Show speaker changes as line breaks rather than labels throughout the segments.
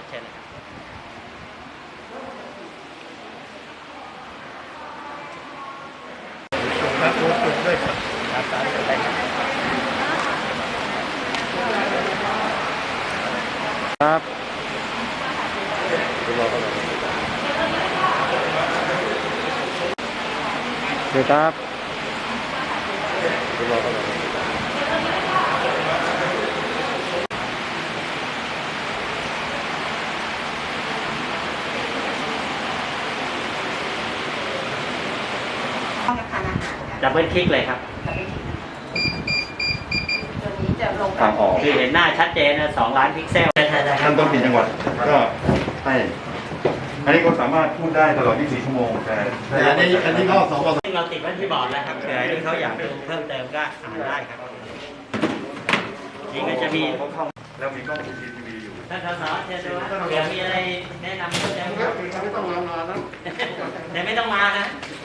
เชิญเลยครับ
ครับด้วยครับ
ครับได้ครับ
ครับดูรอเขาหน่อยเดี๋ยวครับดูรอเขาหน่อย
ดับเบิลคลิกเลยครับ
ตัวนี้จะลง
ทางออก
คือเห็นหน้าชัดเจนนะ2 ล้านพิกเซล
ท่านต้องปิดจังหวัดก็ให้อันนี้ก็สามารถพูดได้ตลอด 24 ชั่วโมงแต่อันนี้ก็สอง
ซึ่งเราติดไว้ที่บอร์ดแล้วครับเผื่อที่เขาอยากดูเพิ่มเติมก็อ่านได้ครับนี่ก็จะมี
แล้วมีกล้อง CCTV อยู่
ท่านสสเชิญดูว่าเผื่อมีอะไรแนะนำเพิ่มเติมครับ
ไม่ต้องรอนะ
แต่ไม่ต้องมานะ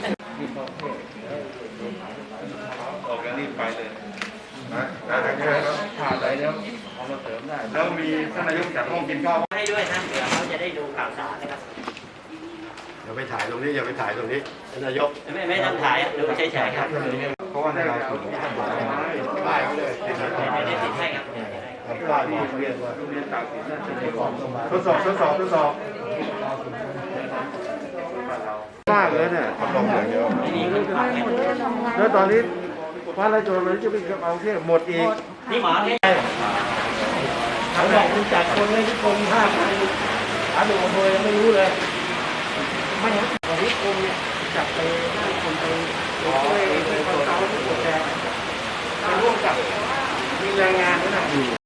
ออกแล้วรีบไปเลยนะขาดอะไรแล้วเอามาเสริมได้แล้วมีท่านนายกจัดห้องกินข้าว
ให้ด้วยนะเผื่อเขาจะได้ดูข่าวสารนะครับ
อย่าไปถ่ายตรงนี้อย่าไปถ่ายตรงนี้นายก
ไม่ต้องถ่ายดูเฉยๆครับ
เพราะว่าในเราถูกป้ายเขาเลยติดเลย
ไม่ได้ติดให้ครับ
ป้ายบอกเรียนว่าทดสอบมากเลยเนี่ยทำลงอย่างเดียว
ไม่มีคนขับเนี่ย
แล้วตอนนี้ฟ้าไรโจรเลยจะไปเอาเที่หมดอีก
นี่หมอให้
เขาบอกคุณจัดคนให้ทุกคน5,000หาดูอำเภอยังไม่รู้เลยไม่เห็นวันนี้กรมเนี่ยจับไป5 คนไปช่วยคนเขาที่ปวดแดงไปร่วมกับมีแรงงานด้วยนะ